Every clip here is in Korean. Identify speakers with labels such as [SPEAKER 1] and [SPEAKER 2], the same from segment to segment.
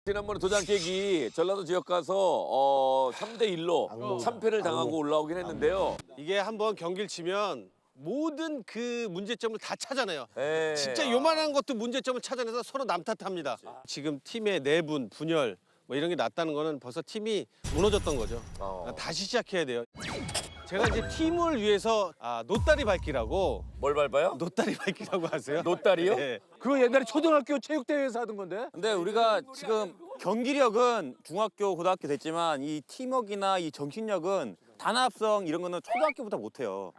[SPEAKER 1] 지난번에 도장 깨기 전라도 지역 가서 3대1로 참패를 당하고 올라오긴 했는데요.
[SPEAKER 2] 이게 한번 경기를 치면 모든 그 문제점을 다 찾아내요.
[SPEAKER 1] 예.
[SPEAKER 2] 진짜 요만한 것도 문제점을 찾아내서 서로 남탓합니다. 지금 팀의 내분, 분열 뭐 이런 게 났다는 거는 벌써 팀이 무너졌던 거죠. 다시 시작해야 돼요. 제가 이제 팀을 위해서 노다리 밟기라고.
[SPEAKER 1] 뭘 밟아요?
[SPEAKER 2] 노다리 밟기라고 하세요?
[SPEAKER 1] 노다리요?
[SPEAKER 2] 네.
[SPEAKER 3] 그거 옛날에 초등학교 체육대회에서 하던 건데?
[SPEAKER 4] 근데 우리가 지금 경기력은 중학교, 고등학교 됐지만 이 팀워크나 이 정신력은 단합성 이런 거는 초등학교보다 못해요.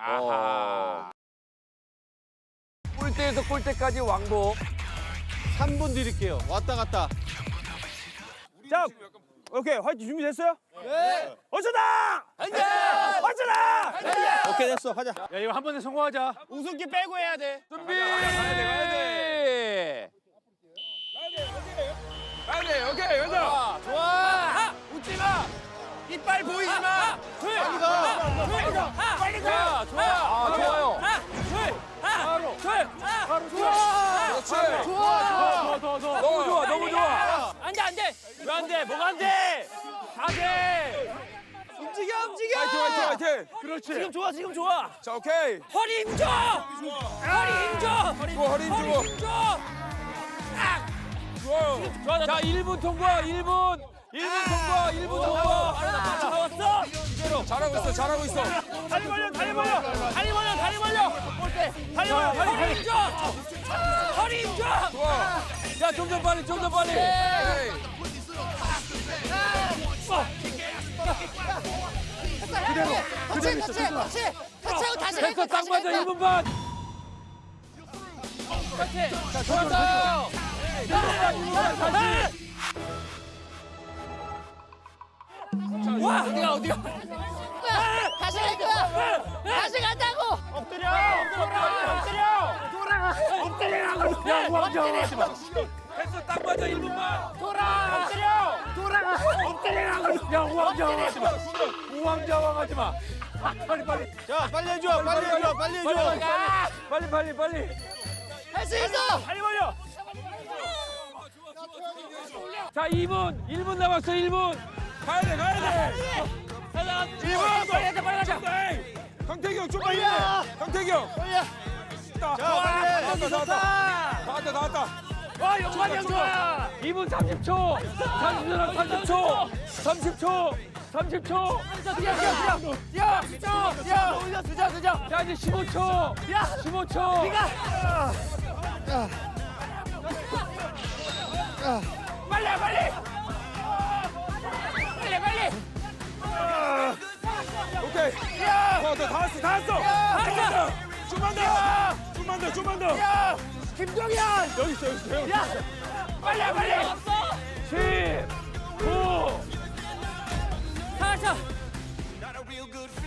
[SPEAKER 1] 골대에서 골대까지 왕복.
[SPEAKER 2] 3분 드릴게요. 왔다 갔다.
[SPEAKER 3] 자, 오케이. 화이팅 준비됐어요? 네. 어쩌다! 어쩌다!
[SPEAKER 2] 오케이 됐어. 하자.
[SPEAKER 3] 야, 이거 한 번에 성공하자.
[SPEAKER 2] 우승기 빼고 해야 돼.
[SPEAKER 1] 준비! 가야 돼. 오케이, 가자.
[SPEAKER 3] 좋아! 웃지 마! 이빨 보이지 마!
[SPEAKER 1] 빨리 가.
[SPEAKER 3] 빨리
[SPEAKER 1] 자, 좋아. 좋아요.
[SPEAKER 3] 바로! 바로 좋아!
[SPEAKER 1] 그렇지.
[SPEAKER 3] 좋아! 더.
[SPEAKER 1] 너무 좋아, 너무 좋아.
[SPEAKER 3] 안 돼! 왜 안 돼? 뭐가 안 돼? 다 돼! 움직여!
[SPEAKER 1] 화이팅.
[SPEAKER 3] 그렇지! 지금 좋아!
[SPEAKER 1] 자, 오케이.
[SPEAKER 3] 허리 힘줘!
[SPEAKER 1] 허리 힘주고. 좋아요. 자, 1분 통과, 1분. 1분 통과, 1분 통과.
[SPEAKER 3] 나왔어!
[SPEAKER 1] 잘하고 있어.
[SPEAKER 3] 다리 벌려! 허리 힘줘! 허리 힘줘!
[SPEAKER 1] 좋아. 야, 좀 더 빨리. 됐어, 딱 맞아, 1분 반. 자, 좋았어요. 1분 반 다시.
[SPEAKER 3] 와! 어디가?
[SPEAKER 5] 다시 갈 거야. 다시 간다고.
[SPEAKER 3] 야, 우왕좌왕하지 마.
[SPEAKER 1] 됐어, 딱 맞아, 1분 반.
[SPEAKER 3] 야, 우왕좌왕하지 마. 우왕좌왕하지 마. 빨리.
[SPEAKER 2] 자, 빨리 해줘.
[SPEAKER 1] 빨리.
[SPEAKER 5] 할 수 있어.
[SPEAKER 3] 빨리 벌려.
[SPEAKER 1] 자, 1분 남았어, 1분. 가야 돼.
[SPEAKER 3] 1분. 빨리 가자.
[SPEAKER 1] 강태경 좀 빨리 해. 강태경.
[SPEAKER 2] 자, 빨리 해.
[SPEAKER 1] 나왔다.
[SPEAKER 3] 와, 영관이 형 좋아.
[SPEAKER 1] 2분 30초. 30초.
[SPEAKER 3] 뛰어.
[SPEAKER 1] 자, 이제 15초. 15초.
[SPEAKER 3] 빨리.
[SPEAKER 1] 오케이. 다 왔어. 좀만 더.
[SPEAKER 3] 야, 김종현.
[SPEAKER 1] 여기 있어.
[SPEAKER 3] 야, 빨리.
[SPEAKER 1] 10, 9.
[SPEAKER 3] 자.
[SPEAKER 6] Not a real good